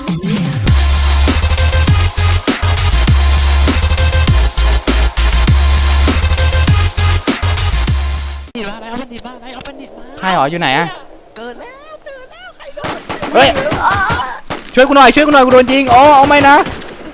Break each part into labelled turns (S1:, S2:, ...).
S1: ดิดมาอะไรเอาบัณฑิตมาอะไรเอาบัณฑิตมา
S2: ใช่หรออยู่ไหนอะ
S1: เกิดแล้วใครโดน
S2: เฮ้ยช่วยกูหน่อยกูโดนยิงอ๋อเอาไม่นะ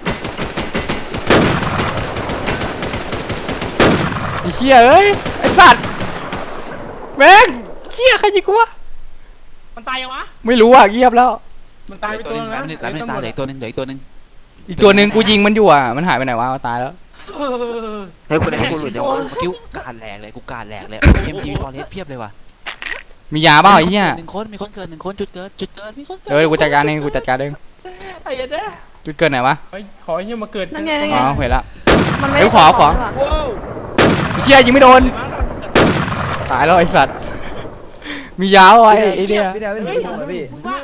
S2: ไอ้เหี้ยเอ้ยไอ้สัตว์แม่งเหี้ยใครยิงกูวะ
S3: มันตายยังวะ
S2: ไม่รู้อ่ะเงียบแล้ว
S3: มันตายไปตัวนึงแล้ว
S1: ตายเหลือตัวนึง
S2: อีกตัวนึงกูยิงมันอยู่อ่ะมันหายไปไหนวะตายแล้ว
S1: เฮ้ยกูได้กูหลุดจังวะกิ้วการแหลกเลยกูการแหลกเลยเอ็มจีฟอร์เรสเพียบเลยว่ะ
S2: มียาเปล่าไอ้เหี้ย
S1: มีคนเกิด1 คนจุดเกิดมีคนเกิด
S2: กูจัดการเอง
S3: ไอ้เด้
S2: จุดเกิดไหนวะ
S3: ขอให้มาเกิด
S2: อ๋อเห็นละ
S3: มัน
S2: ไม่ขอไอ้เหี้ยยิงไม่โดนตายแล้วไอ้สัตว์มียาไว้ไอ้เนี่ย
S3: พี่ดาวเล่นหนูพี่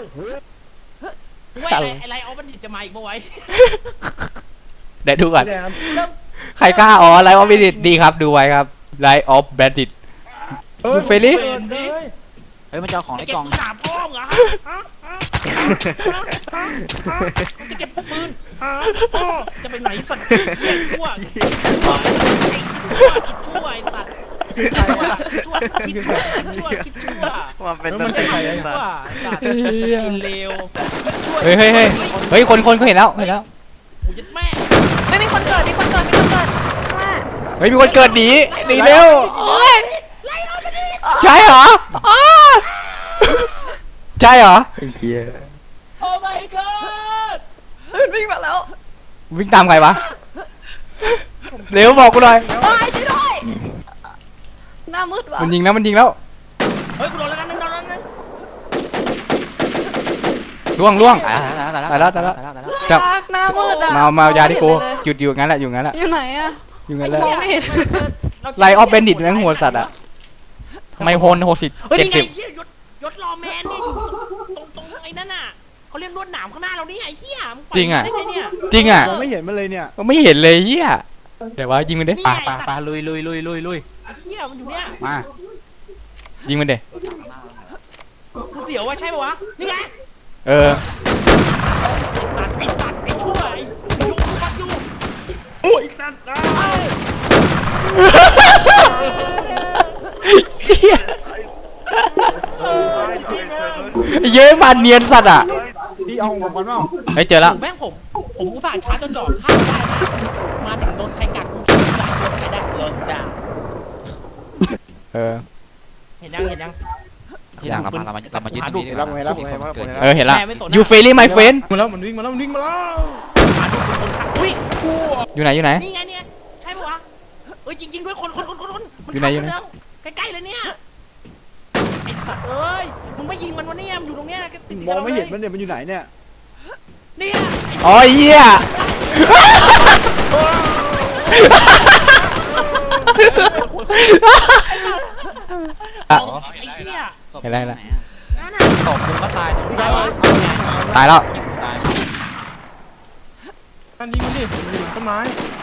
S3: อะไรเอาบัณฑิตจะมาอีกเมื่อไว้
S2: เดี๋ยวดูก่อนใครกล้าอ๋อไลฟ์ออฟบัณฑิตดีครับดูไว้ครับไลฟ์ออฟบัณฑิตดูเฟรลี่
S1: เฮ้ยมันจะเอาของในกล่อง
S3: ถามพ่อเหรอจะเก็บปืนพ่อจะไปไหนสัตว์ชั่วไอ้สัตว์คิดชั่ว
S1: มาเป็นตัวใคร
S3: ชั่วกินเลว
S2: เฮ้ยคนเขาเห็นแล้ว
S3: กูยัดแม่
S4: ไม่มีคนเกิดเ
S2: ฮ้ยมีคนเกิดหนีเร็วใช่เหรอใช่เหรอ
S3: โอ้ my god
S4: วิ่งมาแล้ว
S2: วิ่งตามใครวะเร็วบอกกูหน่อย
S4: ตายช่วยด้วยหน้ามืดว่ะ
S2: มันยิงแล้ว
S3: เฮ้ยกูโดนแล้วนึง
S2: ล่วง
S1: ตายแล้ว
S2: จับ
S4: หน้ามืดอ่ะ
S2: มายาที่กูหยุดอยู่งั้นแหละอยู่ไหน
S4: อ่ะ
S2: อยู่งั้นแหละไลออฟเบนดิตแม่งหัวสัตว์อะทำไมโหน
S3: 70ยศรอแมนนี่ตรงไอ้นั่นน่ะเขาเรียกลวดหนามข้างหน้าเรานี่ไอ้เหี้ย
S2: จริงอ่ะ
S3: ไม่เห็นมันเลยเนี่ย
S2: ไม่เห็นเลยเหี้ยเดี๋ยวว่ายิงมันดิ
S1: ปาลุย
S3: ไอ้เหี้ยมันอยู่เนี่ย
S1: มา
S2: ยิงมันดิ
S3: กูเสียวว่าใช่ปะวะนี่ไง
S2: ไอ้
S3: สัตว์ไอ้ชั่วไอ้ยุงฟัดอยู่โอ้ยสัตว์
S2: เย้มาเนียนสัตว์อ่ะ
S3: ที่เอาของมันเปล่า
S2: เฮ้ยเจอแล้ว
S3: แม่งผมอุตส่าห์ชาร์จจนจอดข้ามได้นะมาถึงโดนไทกัดกูคิดว่าโดนไทได้โดนดาเห็นยัง
S1: ที่หลังเรามายึดตรงนี้แล้ว
S2: เห็นแล้วยูเฟลี่ไมเฟน
S3: มาแล้วมันวิ่งมาแล้วอุ้ย
S2: อยู่ไหน
S3: นี่ไงเนี่ยใช่ปะวะเอ้ยจริงด้วยคน
S2: อยู่ไหน
S3: ใกล้ๆเลยเนี่ยไอ้สัตว์เอ้ยมึงไม่ยิงมันวะเนี่ยมันอยู่ตรงเนี้ย
S5: มองไม่เห็นมันเนี่ยมันอยู่ไหนเนี่ย
S2: อ๋อเหี้ยเห็นไร
S3: ตกมึงก็ตาย
S2: ตายแล้ว
S3: มันยิงมันดิอยู่ต้นไม้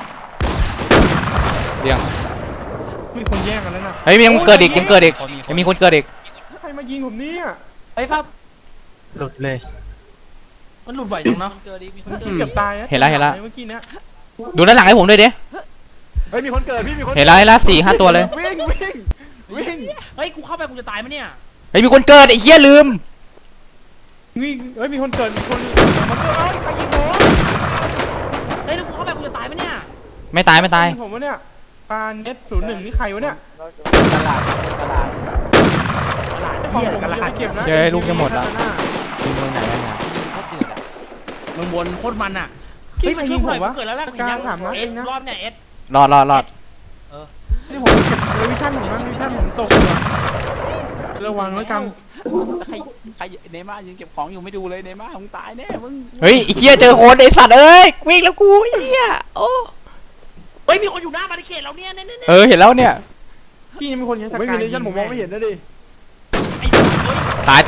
S2: เดี๋ยว
S3: มีคนแย่งกันแล้วนะ
S2: เฮ้ยยังเกิดอีกยังมีคนเกิดอีก
S3: ใครมายิงผมเนี่ยไอ้ฟ้าหลุดเลยมันหลุดไหวจังเนาะเกือบตาย
S2: เห็นแล้วเ
S3: มื่อกี้เนี้ย
S2: ดูด้านหลังให้ผมด้วยดิ
S5: เฮ้ยมีคนเกิดพี่มีคน
S2: เห็นแล้ว4-5 ตัวเลย
S5: วิ่ง
S3: เฮ้ยกูเข้าไปกูจะตายไหมเนี่ย
S2: เฮ้ยมีคนเกิดไอ้เหี้ยลืม
S3: วิ่งเฮ้ยมีคนเกิดคนมาเกิดใครยิงผมเฮ้ยแล้วกูเข้าไปกูจะตายไหมเนี่ย
S2: ไม่ตาย
S3: ผมวะเนี่ยปานเอส01นี่ใครวะเนี่ย
S5: กระลาด
S2: เจอลูกจะหมดแล้ว
S3: มึงวนโคตรมันอ่ะเฮ้ยมันช่วยผมวะเกิดแล้วแหละยังถามนะเอสรอบเนี่ยเอส
S2: รอด
S3: นี่ผมเก็บวิชั่นผมตกระวังแล้วกัน
S1: ใครเนม่ายังเก็บของอยู่ไม่ดูเลยเนม่ามึงตายแน่มึง
S2: เฮ้ยไอ้เหี้ยเจอคนไอ้สัตว์เอ้ยวิ่งแล้วกูไอ้เหี้ยโอ้
S3: เฮ้ยมีคนอยู่หน้าบาริเคดเราเนี่ย
S2: เห็นแล้วเนี่ย
S3: พี่ยังมีคนยัง
S5: ไม่มีเลชั่นผมมองไม่เห็นนะดิ
S2: ตาย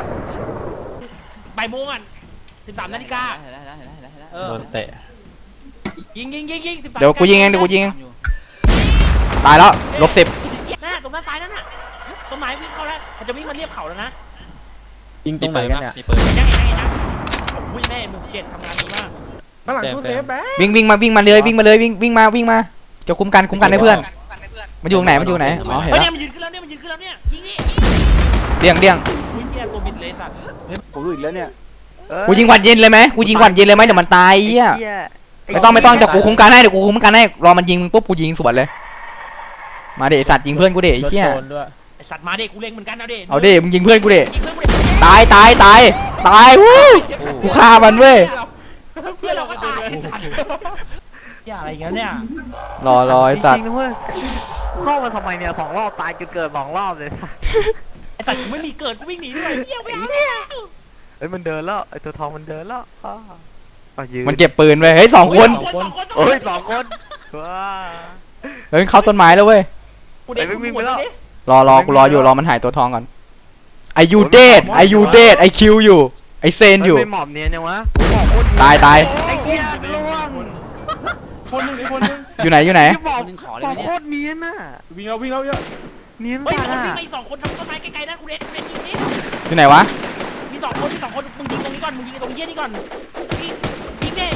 S3: บ่ายโมงอ่ะ13 นาฬิกา
S1: โดนเตะ
S3: ยิง
S2: เดี๋ยวกูยิงเองตายแล้ว-10
S3: นั่นตรงด้านซ้ายนั่นน่ะต้นไม้วิ่งเข้าแล้วมันจะวิ่งมาเรียบเขาแล้วนะ
S5: ยิงตรงไหนกันเนี่ย
S3: ยังอุ้ยแม่หมู่เจ็ดทำงานดีมาก
S5: ข้างหลังตู้เซฟแบ๊ะ
S2: วิ่งมาเลยวิ่งมาจะคุ้มกันให้เพื่อนมันอยู่ตรงไหนอ๋อเห็น
S3: เฮ้ย
S2: แล้ว
S3: เนี่ยมันยืนขึ้นแล้วเนี่ยยิงนี่
S2: เดี่ยง
S3: อุ้ยเนี่ยตัวบิดเลยสัตว์
S5: ผมรู้อีกแล้วเนี่ย
S2: กูยิงหวัดเย็นเลยไหมเดี๋ยวมันตายเหี้ยไม่ต้องเดี๋ยวกูคุ้มกันให้รอมันยิงมึงปุ๊บกูยิงสวนเลยมาเดะสัตว์ยิงเพื่อนกูเดะไอ้เหี้ย
S3: ไอสัตว์มาเด็กกูเล็งเหมือนกันเอาเด็ก
S2: เอาเดะมึงยิงเพื่อนกูเดะ
S3: ยิงเพื่อนกูเด็ก
S2: ตายวู้กูฆ่ามันเว้ย
S3: เพื่อนเราก็ตายไอ้สัตว์อย่าอะไรอย่างเงี้ยเนี่ย
S2: รอไอ้สัตว์
S6: จริงๆนะเว้ยเข้ามาทำไมเนี่ย2 รอบตายจนเกิด2 รอบเลย
S3: ไอสัตว์กูไม่มีเกิดกูวิ่งหนีด้วยเหี้ยไม่เอา
S6: เฮ้ยมันเดินแล้วไอตัวทองมันเดินแล้วยืน
S2: มันเก็บปืนไว้เฮ้ย2 คน
S6: โอ้ย2 คนว้า
S2: เฮ้ยเข้าต้นไม้แล้วเว้ย
S3: กูเด็กกูไปแล้ว
S2: รอกูรออยู่รอมันหายตัวทองก่อนไอยูเดทไอคิวอยู่ไอเซนอยู่
S6: ไม่หมอบเนียนยังวะ
S2: ตาย
S6: ไอ้เหี้ยล่วง
S5: คนนึงคนนึง
S2: อยู่ไหน
S6: ที่บอก
S1: นึงขอ
S6: บ
S1: เลย
S6: อ
S1: ไหม
S6: ก
S1: เนี่ย
S6: โคตรเนียนน่ะ
S5: วิ่งเอาเยอะ
S6: เนียน
S3: เฮ้ย
S6: จัด
S3: มัน
S6: อ่ะ
S3: วิ่งไปอีก2 คนทำต้นไม้ไกลๆนะกูเด็กยิงนี่
S2: อยู่ไหนวะ
S3: มี2 คนมึงยิงตรงนี้ก่อนมึงยิงตรงเหี้ยนี่ก่อนยิงแย่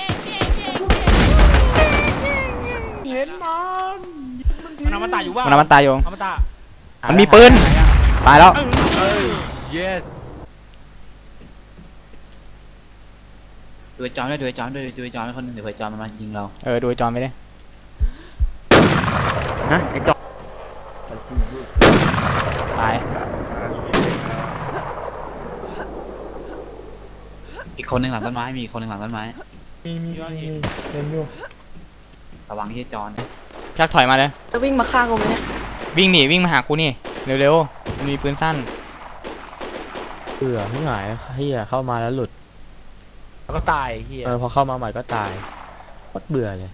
S5: เห็นมัน
S3: มันเอามาตายอยู่ว่า
S2: มันตายอยู่
S3: เอามาตาย
S2: มันมีปืนตายแล้ว
S6: yes
S1: ดูไอ้จอนด้วยคนหนึงเดี๋ยวไอ้จอนมันมายิงเรา
S2: ดูไอจอนไปดิ
S6: นะไอ้จอก
S2: ตาย
S1: อีกคนหนึงหลังต้นไม้มีอีกคนหนึงหลังต้นไม้
S5: มีเห็นอยู่
S1: ระวังที่ไอ้จอน
S2: ชักถอยมาเลย
S4: จะวิ่งมาฆ่ากูไหมเนี่ย
S2: วิ่งมาหากูนี่เร็วๆมันมีปืนสั้น
S7: เบื่อไม่หายเฮียเข้ามาแล้วหลุด
S3: แล้วก็ตายเหี้ย
S7: พอเข้ามาใหม่ก็ตายโคตรเบื่อเลย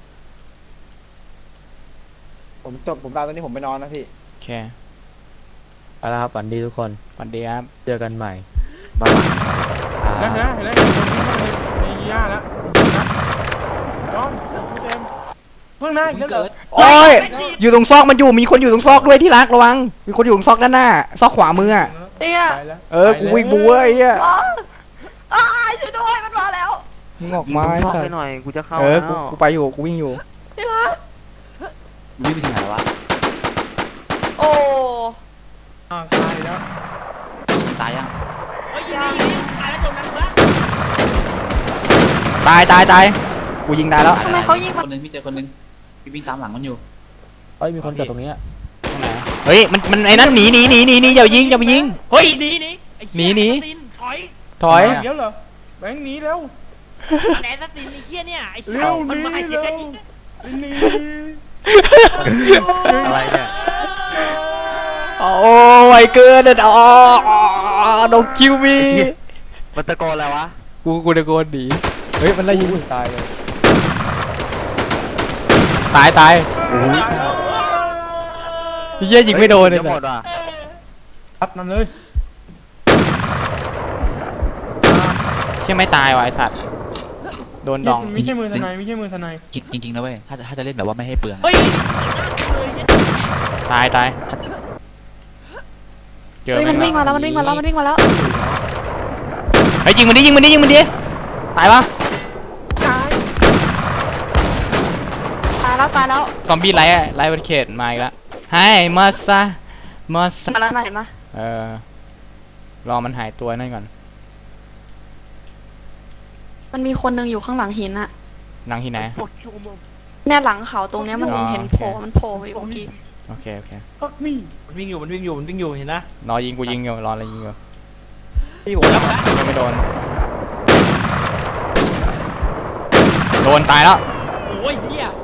S5: ผมตายตอนนี้ผมไปนอนนะพี่
S2: โอเค
S7: ไปแล้วครับฝันดีทุกคน
S2: สวัสดีครับ
S7: เจอกันใหม่
S5: แล้วเห็นแล้วคนที่เข้าในย่าแล้วจอมเต็มเพิ่งหน้าอีกแล้วเหรอ
S2: โอ้ยอยู่ตรงซอกมันอยู่มีคนอยู่ตรงซอกด้วยที่รักระวังมีคนอยู่ตรงซอกด้านหน้าซอกขวามือ
S4: เตี้ย
S5: ตายแล้ว
S2: กูวิ่งบูไอ้เหี้ย
S4: อ้าวช่วยด้วยมันมาแล้ว
S2: มึงออกมาไอ้
S6: เข้า
S2: สั
S6: ไป
S2: ส
S6: หน่อยกูจะเข้า
S2: กู
S6: แล้ว
S2: ไปอยู่กูวิ่งอยู่
S4: ที่รัก
S1: วิ่งไปถึงไหนแล้ววะ
S4: โอ้
S5: ตายแล้ว
S1: ตายยัง
S3: เฮ้ยยิงตายแล้วจมน้ำแล้ว
S2: ตายกูยิงตายแล้ว
S4: ทำไมเขายิง
S1: คนหนึงพี่เจอคนหนึงพี่วิ่งตามหลังมันอยู่
S7: เอ้ยมีคนเกิดตรงนี้อะ
S2: เฮ้ยมันไอ้นั่นหนีอย่ายิง
S3: เฮ้ยหนี
S2: หนี
S3: ถอย
S2: ถอย
S5: เดี๋ยวเหรอแบงค์หนีแล้ว
S3: แหนสตินไอ้เหี้ยเนี่ยไอ้
S5: เร็ว
S3: มันมา
S5: หนี
S3: ไอ้เหี้ย
S5: เร็ว
S3: นี่
S5: หนี
S6: อะไรเนี่ย
S2: โอ้ยเกินอ่ะdon't kill me
S6: มันตะโกนอะไรวะ
S2: กูตะโกนหนีเฮ้ยมันไล่ยิง
S7: ตายเลย
S2: ตายเหี้ยยิงไม่โดนเลย
S6: จะ
S2: สั
S6: หม
S2: ส
S6: ดว่ะ
S5: พัดมันเลย
S2: เชื่อไม่ตายว่ะไอ้สัตว์โดนดอง
S5: ไม่ใช่มือทนายไม่ใช่มือทนาย
S1: จริงๆนะเว้ยถ้าจะเล่นแบบว่าไม่ให้เปลือง
S3: เฮ้ย
S2: ตายเจอ
S4: เฮ้ย
S2: ไหม
S4: มันวิ่งมาแล้ว
S2: เฮ้ยยิงมันดิตายวะ
S4: ตายแล้ว
S2: ซอมบี้ไล่บนเขตมาอีกแล้วให้มาซะ
S4: มาแล้วนะเห็นปะ
S2: รอมันหายตัวนั่นก่อน
S4: มันมีคนนึงอยู่ข้างหลังหินอะ
S2: นั่งที่ไหน
S4: เนี่ยหลังเขาตรงเนี้ยมัน
S2: อ๋อ
S4: เห็น
S2: โอเค
S4: มันโผล่ไปเมื่อกี้
S2: โอเค
S5: ก็นี่
S3: มันวิ่งอยู่เห็นนะ
S2: รอยิงกูยิงอยู่รออะไรยิงอยู่
S3: พี่หัวแล้ว
S2: ยังไม่โดนตายแล้ว
S3: โอ้ยเหี้ย